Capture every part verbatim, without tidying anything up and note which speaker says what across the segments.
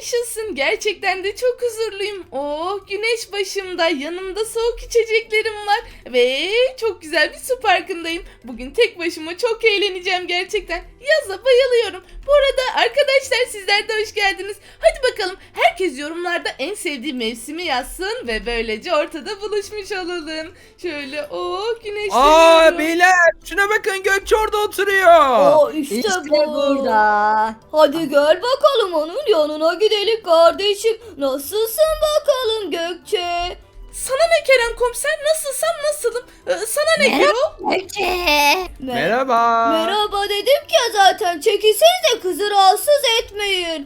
Speaker 1: yaşasın. Gerçekten de çok huzurluyum. Oh, güneş başımda, yanımda soğuk içeceklerim var ve çok güzel bir su parkındayım. Bugün tek başıma çok eğleneceğim gerçekten. Yaza bayılıyorum. Bu arada arkadaşlar, sizler de hoş geldiniz. Hadi bakalım, herkes yorumlarda en sevdiği mevsimi yazsın ve böylece ortada buluşmuş olalım. Şöyle oh, güneşleniyorum.
Speaker 2: Aa beyler, şuna bakın, Gökçe orada oturuyor.
Speaker 3: O işte,
Speaker 4: İşte
Speaker 3: bu.
Speaker 4: burada.
Speaker 3: Hadi gel bakalım onun yanına gidelim kardeşim. Nasılsın bakalım Gökçe?
Speaker 1: Sana ne Kerem komiser, nasılsam nasılım. Ee, sana ne
Speaker 4: Merhaba.
Speaker 1: Gürol?
Speaker 4: Gökçe.
Speaker 3: Me-
Speaker 2: Merhaba.
Speaker 3: Merhaba dedim ki ya zaten. Çekilsenize, kızı rahatsız etmeyin.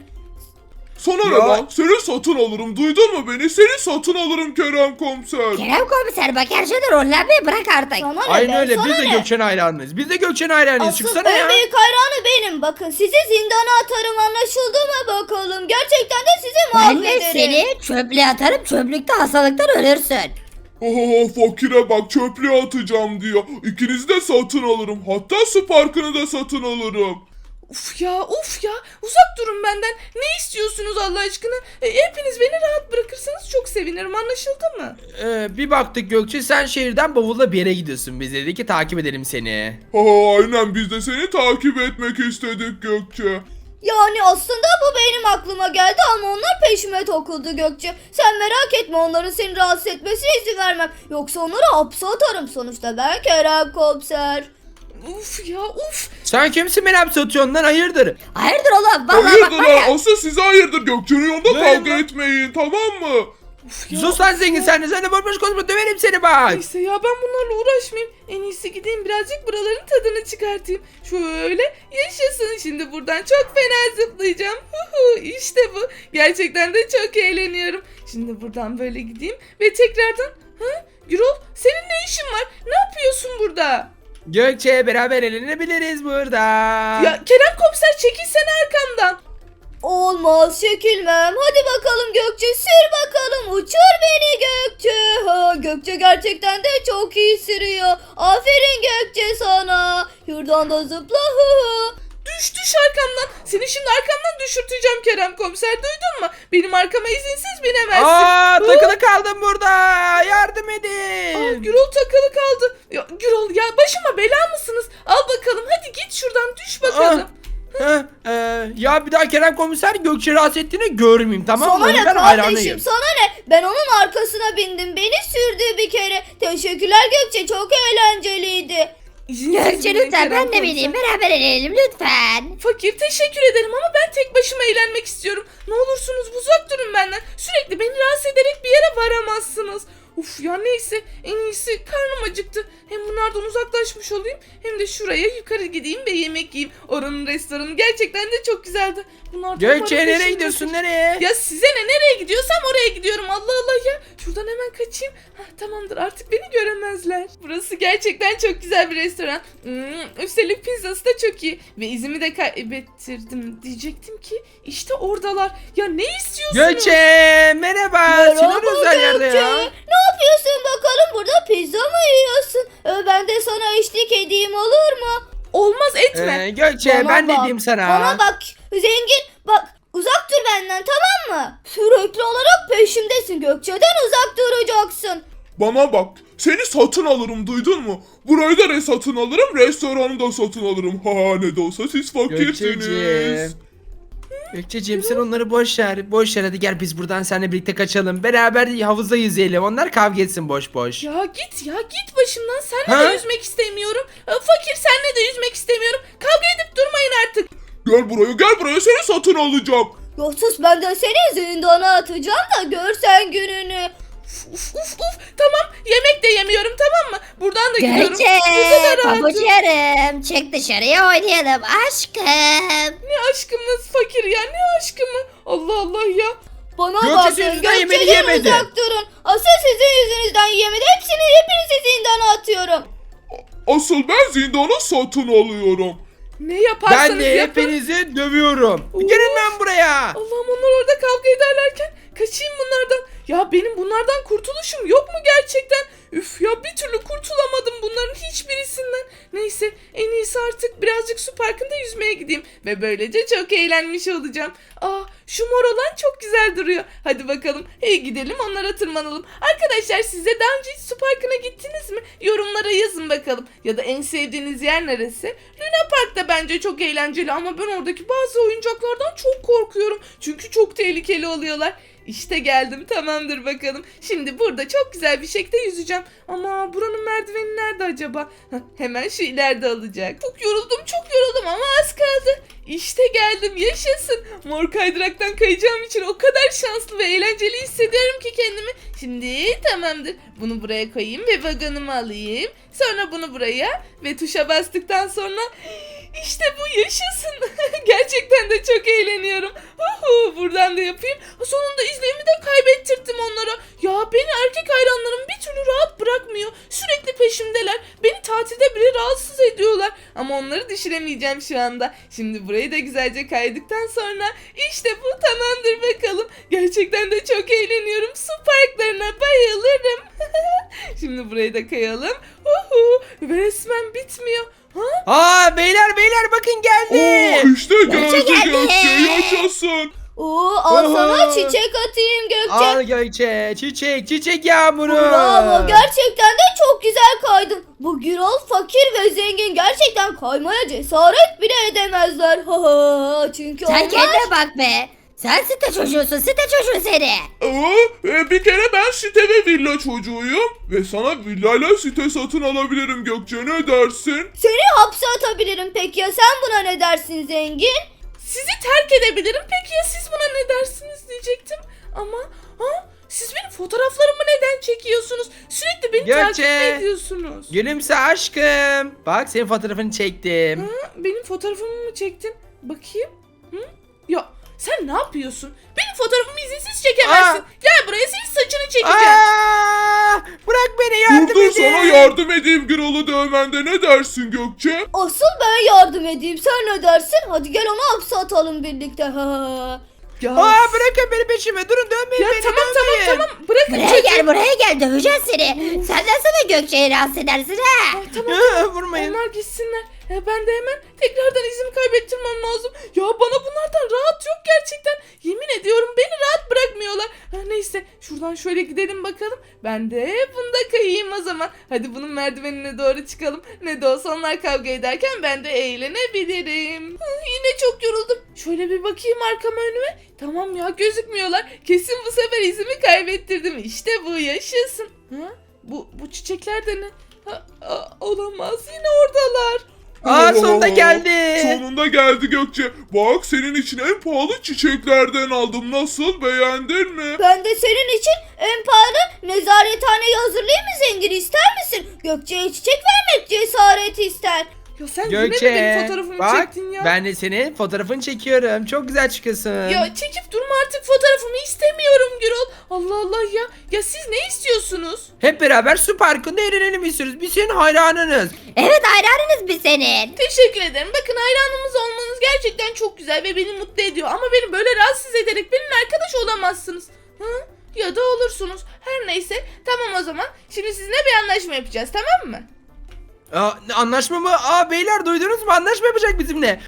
Speaker 5: Sana ne
Speaker 2: Ya.
Speaker 5: lan? Seni satın alırım. Duydun mu beni? Seni satın alırım Kerem komiser.
Speaker 4: Kerem komiser bak, her şeyden rollenmeyi bırak artık.
Speaker 3: Sana ne
Speaker 2: Aynen
Speaker 3: be,
Speaker 2: öyle,
Speaker 3: sana
Speaker 2: biz de
Speaker 3: ne?
Speaker 2: Gökçe'nin hayranıyız. Biz de Gökçe'nin hayranıyız.
Speaker 3: Asıl
Speaker 2: Çıksana
Speaker 3: en
Speaker 2: ya.
Speaker 3: büyük hayranı benim. Bakın, sizi zindana atarım, anlaşıldı mı bakalım? Gerçekten de sizi
Speaker 4: Ben de
Speaker 3: mahvederim.
Speaker 4: seni çöplüğe atarım, çöplükte hastalıktan ölürsün.
Speaker 5: Oh, fakire bak, çöplüğe atacağım diyor. İkinizi de satın alırım. Hatta su parkını da satın alırım.
Speaker 1: Uf ya, uf ya, uzak durun benden. Ne istiyorsunuz Allah aşkına? E, hepiniz beni rahat bırakırsanız çok sevinirim, anlaşıldı mı?
Speaker 2: Ee, bir baktık Gökçe, sen şehirden bavulla bir yere gidiyorsun. Biz dedik ki takip edelim seni.
Speaker 5: Ha, aynen, biz de seni takip etmek istedik Gökçe.
Speaker 3: Yani aslında bu benim aklıma geldi ama onlar peşime takıldı Gökçe. Sen merak etme, onların seni rahatsız etmesine izin vermem. Yoksa onları hapse atarım, sonuçta ben Kerem komiser.
Speaker 1: Uf ya, uf.
Speaker 2: Sen kimsin, beni hapse atıyorsun lan, hayırdır?
Speaker 4: Hayırdır oğlum? Vallahi bak
Speaker 5: Hayırdır
Speaker 4: var ya.
Speaker 5: lan? Asıl size hayırdır. Gökçe'nin yanında
Speaker 2: Ne
Speaker 5: kavga
Speaker 2: lan?
Speaker 5: etmeyin, tamam mı?
Speaker 1: Uf ya.
Speaker 2: Sus lan zengin, sen de sen de boş boş konuşma, döverim seni bak.
Speaker 1: Neyse ya, ben bunlarla uğraşmayayım. En iyisi gideyim birazcık buraların tadını çıkartayım. Şöyle yaşasın, şimdi buradan çok fena zıplayacağım. Huhu, işte bu. Gerçekten de çok eğleniyorum. Şimdi buradan böyle gideyim ve tekrardan... Ha? Gürol, senin ne işin var? Ne yapıyorsun burada?
Speaker 2: Gökçe, beraber eğlenebiliriz burada.
Speaker 1: Ya Kerem komiser, çekilsene arkamdan.
Speaker 3: Olmaz, çekilmem. Hadi bakalım Gökçe, sür bakalım, uçur beni Gökçe. Ha, Gökçe gerçekten de çok iyi sürüyor. Aferin Gökçe sana. Şuradan da zıpla. Hı hı.
Speaker 1: Düş düş arkamdan. Seni şimdi arkamdan düşürteceğim Kerem komiser, duydun mu? Benim arkama izinsiz binemezsin.
Speaker 2: Aa,
Speaker 1: Hı?
Speaker 2: takılı kaldım burada. Yardım
Speaker 1: Aa,
Speaker 2: edin.
Speaker 1: Gürol takılı kaldı. Ya, Gürol ya, başıma bela mısınız? Al bakalım, hadi git şuradan, düş bakalım.
Speaker 2: Heh, e, ya bir daha Kerem komiser Gökçe rahatsız ettiğini görmeyeyim, tamam mı?
Speaker 3: Sana ne
Speaker 2: Ben
Speaker 3: kardeşim,
Speaker 2: hayranıyım.
Speaker 3: sana ne? Ben onun arkasına bindim. Beni sürdü bir kere. Teşekkürler Gökçe, çok eğlenceliydi.
Speaker 1: İzinsiz
Speaker 4: Gökçe
Speaker 1: binin
Speaker 4: lütfen,
Speaker 1: Kerem
Speaker 4: ben de
Speaker 1: komiser.
Speaker 4: bineyim, beraber eğlenelim lütfen.
Speaker 1: Fakir, teşekkür ederim ama ben tek başıma eğlenmek istiyorum. Ne olursunuz uzak durun benden. Sürekli beni rahatsız ederek bir yere varamazsınız. Uf ya, neyse, en iyisi, karnım acıktı. Hem bunlardan uzaklaşmış olayım hem de şuraya yukarı gideyim ve yemek yiyeyim. Oranın restoranı gerçekten de çok güzeldi. Bunlardan
Speaker 2: Gökçe,
Speaker 1: bana
Speaker 2: nereye
Speaker 1: peşin
Speaker 2: gidiyorsun,
Speaker 1: bırakın.
Speaker 2: nereye?
Speaker 1: Ya size ne, nereye gidiyorsam oraya gidiyorum, Allah Allah ya. Şuradan hemen kaçayım. Hah, tamamdır, artık beni göremezler. Burası gerçekten çok güzel bir restoran. Hmm, üstelik pizzası da çok iyi. Ve izimi de kaybettirdim diyecektim ki işte oradalar. Ya ne istiyorsunuz?
Speaker 2: Gökçe, merhaba.
Speaker 3: Merhaba
Speaker 2: Senin özel yerde
Speaker 3: Gökçe.
Speaker 2: ya.
Speaker 3: Ne yapıyorsun bakalım, burada pizza mı yiyorsun? Ee, ben de sana eşlik edeyim, olur mu?
Speaker 1: Olmaz, etme.
Speaker 2: Ee, Gökçe,
Speaker 3: Bana
Speaker 2: ben ne
Speaker 3: bak,
Speaker 2: diyeyim sana?
Speaker 3: Bana bak zengin, bak uzak dur benden, tamam mı? Sürekli olarak peşimdesin, Gökçe'den uzak duracaksın.
Speaker 5: Bana bak, seni satın alırım, duydun mu? Burayı da re satın alırım, restoranı da satın alırım. Ha, ne de olsa siz fakirsiniz.
Speaker 2: Gökçeciğim. Gökçeciğim, sen onları boş ver. Boş ver, hadi gel biz buradan seninle birlikte kaçalım. Beraber havuzda yüzeyelim. Onlar kavga etsin boş boş.
Speaker 1: Ya git ya, git başımdan. Seninle
Speaker 2: Ha?
Speaker 1: de yüzmek istemiyorum. Ee, Fakir, seninle de yüzmek istemiyorum. Kavga edip durmayın artık.
Speaker 5: Gel buraya, gel buraya, seni satın alacağım.
Speaker 3: Yoksa ben de seni zindana atacağım da görsen gününü.
Speaker 1: Uf uf uf. Tamam, yemek de yemiyorum, tamam mı? Buradan da gidiyorum.
Speaker 4: Gökçe,
Speaker 1: Bu kadar rahatım.
Speaker 4: pabuçlarım, çık dışarıya oynayalım aşkım.
Speaker 1: Ne aşkımız Fakir ya, ne aşkımı? Allah Allah ya.
Speaker 3: Bana
Speaker 2: Gökçe,
Speaker 3: bakın,
Speaker 2: senin yüzünden yemeğini
Speaker 3: Gökçe'den
Speaker 2: yemedi.
Speaker 3: uzak durun. Asıl sizin yüzünüzden yemedi. Hepsini, hepinizi zindana atıyorum.
Speaker 5: Asıl ben zindanı satın alıyorum.
Speaker 1: Ne yaparsanız
Speaker 2: Ben de
Speaker 1: yapın.
Speaker 2: hepinizi dövüyorum. Gelin ben buraya.
Speaker 1: Allah'ım, onlar orada kavga ederlerken kaçayım bunlardan. Ya benim bunlardan kurtuluşum yok mu gerçekten? Üf ya, bir türlü kurtulamadım bunların hiçbirisinden. Neyse, en iyisi artık birazcık su parkında yüzmeye gideyim. Ve böylece çok eğlenmiş olacağım. Aa, şu mor olan çok güzel duruyor. Hadi bakalım, hey gidelim onlara tırmanalım. Arkadaşlar, siz de daha önce hiç su parkına gittiniz mi? Yorumlara yazın bakalım. Ya da en sevdiğiniz yer neresi? Luna Park da bence çok eğlenceli ama ben oradaki bazı oyuncaklardan çok korkuyorum. Çünkü çok tehlikeli oluyorlar. İşte geldim, tamamdır bakalım. Şimdi burada çok güzel bir şekilde yüzeceğim. Ama buranın merdiveni nerede acaba? Heh, hemen şu ileride olacak. Çok yoruldum, çok yoruldum ama az kaldı. İşte geldim, yaşasın. Mor kaydıraktan kayacağım için o kadar şanslı ve eğlenceli hissediyorum ki kendimi. Şimdi tamamdır. Bunu buraya koyayım ve vagonumu alayım. Sonra bunu buraya ve tuşa bastıktan sonra... İşte bu, yaşasın. Gerçekten de çok eğleniyorum. Uhu, buradan da yapayım. Sonunda izleyimi de kaybettirdim onlara. Ya beni erkek hayranlarım bir türlü rahat bırakmıyor. Sürekli peşimdeler. Beni tatilde bile rahatsız ediyorlar. Ama onları düşüremeyeceğim şu anda. Şimdi burayı da güzelce kaydıktan sonra işte bu, tamamdır bakalım. Gerçekten de çok eğleniyorum. Su parklarına bayılırım. Şimdi burayı da kayalım. Uhu, ve resmen bitmiyor. Ha?
Speaker 2: Aa beyler beyler bakın geldi.
Speaker 5: Oo, işte geldi
Speaker 4: geldi.
Speaker 5: Gökçe, yaşasın.
Speaker 3: Oo, al sana
Speaker 2: Oho.
Speaker 3: çiçek atayım Gökçe.
Speaker 2: Al Gökçe, çiçek çiçek yağmuru.
Speaker 3: Bravo, gerçekten de çok güzel kaydın. Bu Gürol fakir ve zengin gerçekten kaymaya cesaret bile edemezler. Ha ha, çünkü
Speaker 4: Sen
Speaker 3: onlar...
Speaker 4: kendine bak be. Sen site çocuğusun, site çocuğu seni.
Speaker 5: Aa, e, bir kere ben site ve villa çocuğuyum. Ve sana villayla site satın alabilirim Gökçe, ne dersin?
Speaker 3: Seni hapse atabilirim, peki ya sen buna ne dersin zengin?
Speaker 1: Sizi terk edebilirim. Peki ya siz buna ne dersiniz diyecektim. Ama ha? Siz benim fotoğraflarımı neden çekiyorsunuz? Sürekli beni
Speaker 2: Gökçe.
Speaker 1: takip ediyorsunuz.
Speaker 2: Gülümse aşkım. Bak senin fotoğrafını çektim.
Speaker 1: Ha, benim fotoğrafımı mı çektin? Bakayım. Hı? Ya sen ne yapıyorsun? Benim fotoğrafımı izinsiz çekemezsin.
Speaker 2: Aa.
Speaker 1: Gel buraya, senin saçını çekeceğim.
Speaker 2: Aa, bırak beni, yardım
Speaker 5: Dur dur,
Speaker 2: edin.
Speaker 5: sana yardım edeyim Gürol'u dövmende, ne dersin Gökçe?
Speaker 3: Asıl ben yardım edeyim, sen ne dersin? Hadi gel onu hapse atalım birlikte. Ha.
Speaker 1: Ya,
Speaker 2: Aa bırakın beni peşime, durun dövmeyin
Speaker 1: ya
Speaker 2: beni,
Speaker 1: tamam tamam
Speaker 2: dövmeyin.
Speaker 1: tamam. Bırakın
Speaker 4: Buraya
Speaker 1: çocuğu.
Speaker 4: gel, buraya gel, döveceğiz seni. Sen nasıl Gökçe'yi rahatsız edersin ha?
Speaker 1: Ay, tamam.
Speaker 2: Aa, vurmayın.
Speaker 1: Onlar gitsinler. E, ben de hemen tekrardan izimi kaybettirmem lazım. Ya bana bunlardan rahat yok gerçekten. Yemin ediyorum beni rahat bırakmıyorlar. Ha, neyse, şuradan şöyle gidelim bakalım. Ben de bunda kayayım o zaman. Hadi bunun merdivenine doğru çıkalım. Ne de olsa onlar kavga ederken ben de eğlenebilirim. Ha, yine çok yoruldum. Şöyle bir bakayım arkama, önüme. Tamam ya, gözükmüyorlar. Kesin bu sefer izimi kaybettirdim. İşte bu, yaşasın. Ha? Bu, bu çiçekler de ne? Ha, a, olamaz, yine oradalar.
Speaker 2: Aa
Speaker 5: Oo,
Speaker 2: sonunda geldi.
Speaker 5: Sonunda geldi Gökçe. Bak, senin için en pahalı çiçeklerden aldım. Nasıl, beğendin mi?
Speaker 3: Ben de senin için en pahalı nezarethaneyi hazırlayayım mı zengin, ister misin? Gökçe'ye çiçek vermek cesaret ister.
Speaker 1: Ya sen yine mi
Speaker 2: Gökçe
Speaker 1: benim fotoğrafımı
Speaker 2: bak
Speaker 1: çektin ya?
Speaker 2: ben de senin fotoğrafını çekiyorum. Çok güzel çıkıyorsun.
Speaker 1: Ya çekip durma artık, fotoğrafımı istemiyorum Gürol. Allah Allah ya. Ya siz ne istiyorsunuz?
Speaker 2: Hep beraber su parkında eğlenelim istiyoruz. Biz senin hayranınız.
Speaker 4: Evet, hayranınız biz senin.
Speaker 1: Teşekkür ederim. Bakın, hayranımız olmanız gerçekten çok güzel ve beni mutlu ediyor. Ama beni böyle rahatsız ederek benimle arkadaş olamazsınız. Hı? Ya da olursunuz. Her neyse. Tamam o zaman. Şimdi sizinle bir anlaşma yapacağız, tamam mı?
Speaker 2: Aa, anlaşma mı? Aa beyler duydunuz mu? Anlaşma yapacak bizimle.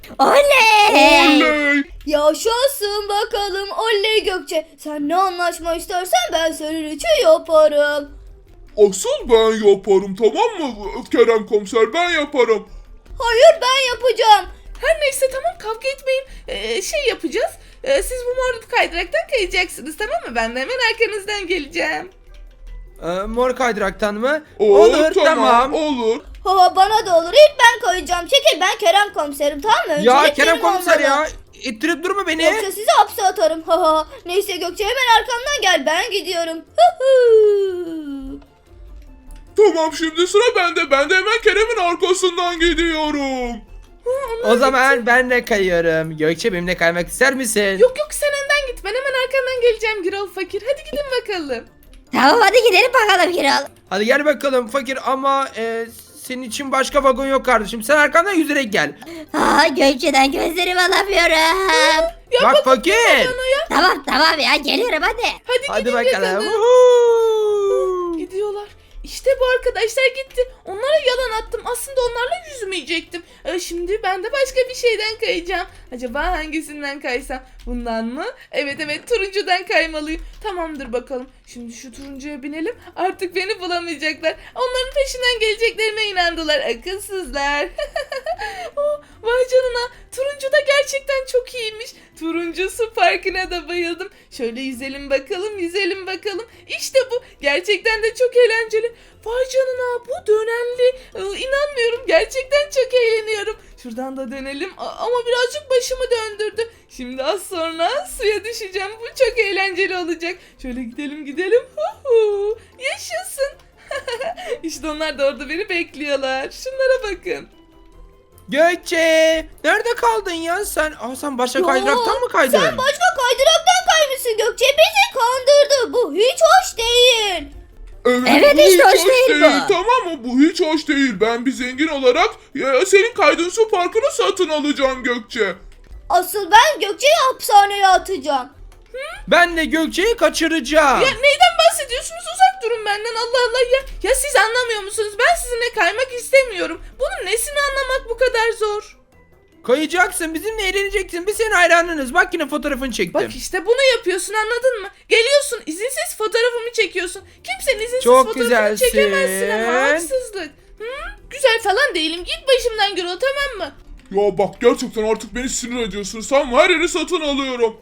Speaker 4: Oley.
Speaker 5: Oley!
Speaker 3: Yaşasın bakalım, oley Gökçe. Sen ne anlaşma istersen ben senin için yaparım.
Speaker 5: Asıl ben yaparım, tamam mı Kerem komiser, ben yaparım.
Speaker 3: Hayır, ben yapacağım.
Speaker 1: Her neyse, tamam, kavga etmeyin. Ee, şey yapacağız. Ee, siz bu mor kaydıraktan kayacaksınız, tamam mı? Ben de hemen arkanızdan geleceğim.
Speaker 2: Ee, mor kaydıraktan mı?
Speaker 5: Oo,
Speaker 2: Olur tamam.
Speaker 5: Olur.
Speaker 3: Ha, bana da olur, ilk ben kayacağım. Çekil, ben Kerem komiserim, tamam mı?
Speaker 2: Ya
Speaker 3: Öncelik
Speaker 2: Kerem
Speaker 3: benim
Speaker 2: komiser
Speaker 3: olmalı.
Speaker 2: ya. İttirip durma beni.
Speaker 3: Yoksa sizi hapse atarım. Ha ha. Neyse Gökçe, hemen arkamdan gel, ben gidiyorum. Hı hı.
Speaker 5: Tamam, şimdi sıra bende. Ben de hemen Kerem'in arkasından gidiyorum.
Speaker 2: O zaman ben de kayıyorum. Gökçe benimle kaymak ister misin?
Speaker 1: Yok yok, sen önden git. Ben hemen arkandan geleceğim Gürol fakir. Hadi gidin bakalım.
Speaker 4: Tamam, hadi gidelim bakalım Gürol.
Speaker 2: Hadi gel bakalım fakir ama e, senin için başka vagon yok kardeşim. Sen arkamdan yüzerek gel.
Speaker 4: Aa, Gökçe'den gözlerimi alamıyorum.
Speaker 1: Ya
Speaker 2: Bak
Speaker 1: bakın
Speaker 2: fakir.
Speaker 1: bana ya.
Speaker 4: Tamam tamam ya, geliyorum hadi.
Speaker 1: Hadi,
Speaker 2: Hadi
Speaker 1: gidin
Speaker 2: bakalım.
Speaker 1: bakalım.
Speaker 2: Woohoo.
Speaker 1: Gidiyorlar. İşte bu arkadaşlar gitti. Onlara yalan attım. Aslında onlarla yüzmeyecektim. Ee, şimdi ben de başka bir şeyden kayacağım. Acaba hangisinden kaysam? Bundan mı? Evet evet turuncudan kaymalıyım. Tamamdır bakalım. Şimdi şu turuncuya binelim. Artık beni bulamayacaklar. Onların peşinden geleceklerime inandılar. Akılsızlar. Oh, vay canına. Turuncu da gerçekten çok iyiymiş. Turuncu su parkına da bayıldım. Şöyle yüzelim bakalım, yüzelim bakalım. İşte bu. Gerçekten de çok eğlenceli. Vay canına bu dönenli. Ee, inanmıyorum. Gerçekten çok eğleniyorum. Şuradan da dönelim. A- ama birazcık başımı döndürdü. Şimdi az sonra suya düşeceğim. Bu çok eğlenceli olacak. Şöyle gidelim gidelim. Huhu. Yaşasın. İşte onlar da orada beni bekliyorlar. Şunlara bakın.
Speaker 2: Gökçe nerede kaldın ya sen? Aa, sen başka
Speaker 3: Ya,
Speaker 2: kaydıraktan mı kaydın?
Speaker 3: Sen başka kaydıraktan kaymışsın Gökçe. Bizi kandırdı. Bu hiç hoş değil.
Speaker 5: Evet,
Speaker 4: Evet,
Speaker 5: bu
Speaker 4: hiç
Speaker 5: hiç
Speaker 4: hoş
Speaker 5: hoş
Speaker 4: değil
Speaker 5: değil,
Speaker 4: bu.
Speaker 5: tamam mı? Bu hiç hoş değil. Ben bir zengin olarak ya, senin kaydığın su parkını satın alacağım Gökçe.
Speaker 3: Asıl ben Gökçe'yi hapishaneye atacağım.
Speaker 2: Ben de Gökçe'yi kaçıracağım.
Speaker 1: Ya neyden bahsediyorsunuz? Uzak durun benden. Allah Allah ya. Ya siz anlamıyor musunuz? Ben sizinle kaymak istemiyorum. Bunun nesini anlamak bu kadar zor?
Speaker 2: Kayacaksın, bizimle eğleneceksin. Biz senin hayranınız. Bak yine fotoğrafını çektim.
Speaker 1: Bak işte bunu yapıyorsun anladın mı? Geliyorsun izinsiz fotoğrafımı çekiyorsun. Kimsenin izinsiz
Speaker 2: Çok
Speaker 1: fotoğrafını
Speaker 2: güzelsin.
Speaker 1: çekemezsin ama haksızlık. Hı? Güzel falan değilim. Git başımdan Gürol tamam mı?
Speaker 5: Ya bak gerçekten artık beni sinir ediyorsun. Sen her yeri satın alıyorum.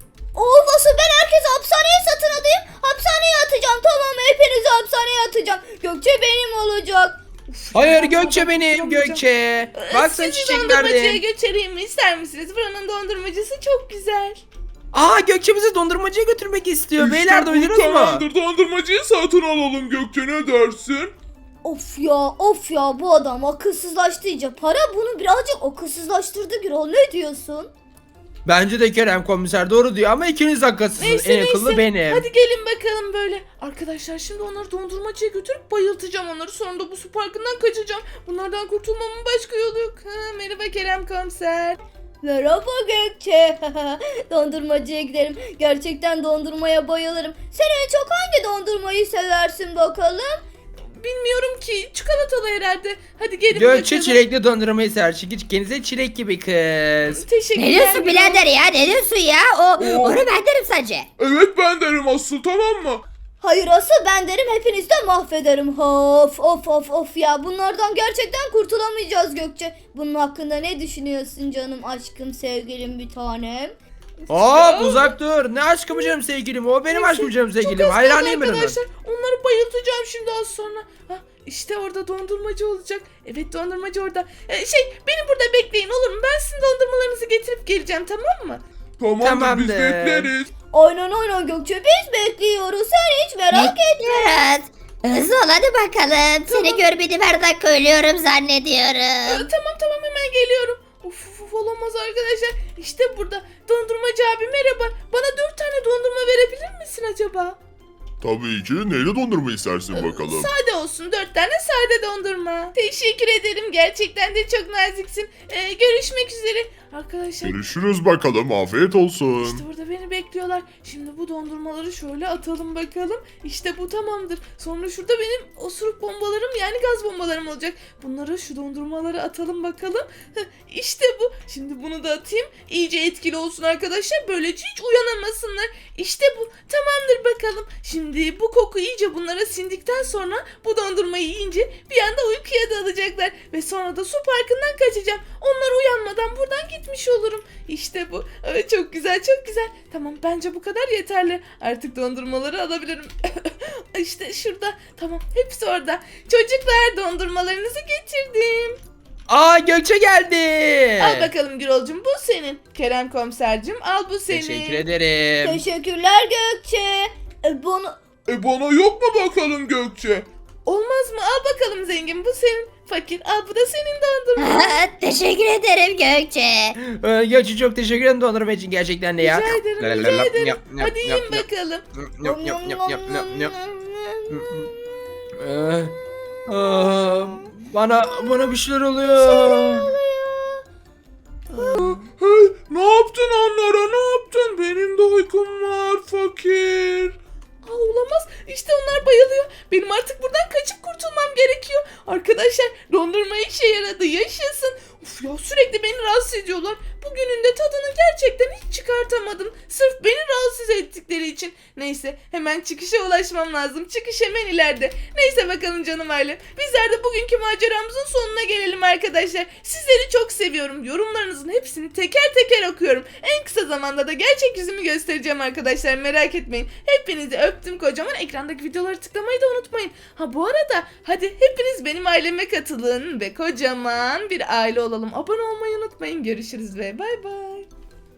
Speaker 3: Of asıl ben herkesi hapishaneye satın alayım. Hapishaneye atacağım tamam mı? Hepinizi hapishaneye atacağım. Gökçe benim olacak.
Speaker 2: Hayır
Speaker 1: Ben
Speaker 2: Gökçe
Speaker 1: fotoğraf
Speaker 2: benim
Speaker 1: tutamayacağım.
Speaker 2: Gökçe.
Speaker 1: Ee,
Speaker 2: Bak sen
Speaker 1: Sizi dondurmacıya
Speaker 2: çiçeklerde.
Speaker 1: götüreyim mi? İster misiniz? Buranın dondurmacısı çok güzel.
Speaker 2: Aa Gökçe bizi dondurmacıya götürmek istiyor.
Speaker 5: İşte
Speaker 2: Beyler
Speaker 5: bu
Speaker 2: duydunuz mu?
Speaker 5: tamamdır. Dondurmacıyı satın alalım Gökçe, ne dersin?
Speaker 3: Of ya of ya bu adam akılsızlaştı iyice. Para bunu birazcık akılsızlaştırdı Gürol, ne diyorsun?
Speaker 2: Bence de Kerem komiser doğru diyor ama ikiniz haklısınız.
Speaker 1: Neyse
Speaker 2: En akıllı
Speaker 1: neyse.
Speaker 2: benim.
Speaker 1: Hadi gelin bakalım böyle. Arkadaşlar şimdi onları dondurmacıya götürüp bayıltacağım onları. Sonra da bu su parkından kaçacağım. Bunlardan kurtulmamın başka yolu yok. Ha, merhaba Kerem komiser.
Speaker 3: Merhaba Gökçe. Dondurmacıya gidelim. Gerçekten dondurmaya bayılırım. Sen en çok hangi dondurmayı seversin bakalım?
Speaker 1: Bilmiyorum ki. Çikolatalı herhalde. Hadi gelin
Speaker 2: Gökçe
Speaker 1: bakalım.
Speaker 2: çilekli dondurmayı sever. Çünkü kendisi çilek gibi kız.
Speaker 1: Teşekkürler.
Speaker 4: Ne diyorsun
Speaker 1: Gürol.
Speaker 4: birader ya? Ne diyorsun ya? O, onu ben derim sence.
Speaker 5: Evet ben derim asıl, tamam mı?
Speaker 3: Hayır asıl ben derim hepinizi de mahvederim. Of of of of ya bunlardan gerçekten kurtulamayacağız Gökçe. Bunun hakkında ne düşünüyorsun canım aşkım sevgilim bir tanem?
Speaker 2: Hop uzak dur. Ne aşkım canım sevgilim. O benim
Speaker 1: Neyse,
Speaker 2: aşkım canım
Speaker 1: çok
Speaker 2: sevgilim.
Speaker 1: az kaldı
Speaker 2: Hayranıyım ben ona.
Speaker 1: arkadaşlar. Onları bayıltacağım şimdi az sonra. Hah, işte orada dondurmacı olacak. Evet dondurmacı orada. Ee, şey beni burada bekleyin olur mu? Ben sizin dondurmalarınızı getirip geleceğim tamam mı?
Speaker 5: Tamamdır,
Speaker 2: Tamamdır.
Speaker 5: biz bekleriz.
Speaker 3: Aynen aynen Gökçe biz bekliyoruz sen hiç merak etme.
Speaker 4: Evet. Hızlı ol hadi bakalım. Seni görmedim her dakika ölüyorum
Speaker 1: Ee,
Speaker 4: zannediyorum.
Speaker 1: tamam tamam hemen geliyorum. Uf, uf, uf olamaz arkadaşlar. İşte burada dondurmacı abi merhaba. Bana dört tane dondurma verebilir misin acaba?
Speaker 6: Tabii ki. Neyle dondurma istersin bakalım?
Speaker 1: Sade olsun dört tane sade dondurma. Teşekkür ederim gerçekten de çok naziksin. Ee, görüşmek üzere. Arkadaşlar
Speaker 6: Görüşürüz bakalım. Afiyet olsun.
Speaker 1: İşte burada beni bekliyorlar. Şimdi bu dondurmaları şöyle atalım bakalım. İşte bu tamamdır. Sonra şurada benim osuruk bombalarım yani gaz bombalarım olacak. Bunları şu dondurmaları atalım bakalım. Heh, İşte bu. Şimdi bunu da atayım. İyice etkili olsun arkadaşlar. Böylece hiç uyanamasınlar. İşte bu. Tamamdır bakalım. Şimdi bu koku iyice bunlara sindikten sonra bu dondurmayı yiyince bir anda uykuya dalacaklar. Ve sonra da su parkından kaçacağım. Onlar uyanmadan buradan gitmiş olurum. İşte bu. Ee, çok güzel çok güzel. Tamam bence bu kadar yeterli. Artık dondurmaları alabilirim. İşte şurada. Tamam hepsi orada. Çocuklar dondurmalarınızı getirdim.
Speaker 2: Aa Gökçe geldi.
Speaker 1: Al bakalım Gürolcum bu senin. Kerem komisercim al bu senin.
Speaker 2: Teşekkür ederim.
Speaker 3: Teşekkürler Gökçe. E, bana...
Speaker 5: E bana yok mu bakalım Gökçe?
Speaker 1: Olmaz mı? Al bakalım zengin bu senin. Fakir al bu da senin dondurma.
Speaker 4: Teşekkür ederim Gökçe.
Speaker 2: Ee, Gökçe çok teşekkür ederim dondurma için gerçekten de ya.
Speaker 1: Rica ederim rica ederim. Hadi yiyin bakalım.
Speaker 2: Yap, yap, yap, yap, yap, yap. Ee, aa, bana bana bir şeyler oluyor.
Speaker 5: Hey, ne yaptın onlara, ne yaptın? Benim de uykum var fakir.
Speaker 1: Aa, olamaz. İşte onlar bayılıyor. Benim artık buradan kaçıp Arkadaşlar dondurma işe yaradı, yaşasın. Uf ya, sürekli beni rahatsız ediyorlar. Bugünün de tadını gerçekten hiç çıkartamadım. Sırf beni rahatsız ettikleri için. Neyse, hemen çıkışa ulaşmam lazım. Çıkış hemen ileride. Neyse bakalım canım ailem. Bizler de bugünkü maceramızın sonuna gelelim arkadaşlar. Sizleri çok seviyorum. Yorumlarınızın hepsini teker teker okuyorum. En kısa zamanda da gerçek yüzümü göstereceğim arkadaşlar. Merak etmeyin. Hepinizi öptüm kocaman. Ekrandaki videoları tıklamayı da unutmayın. Ha bu arada hadi hepiniz benim aileme katılın ve kocaman bir aile olalım. Abone olmayı unutmayın. Görüşürüz ve bay bay.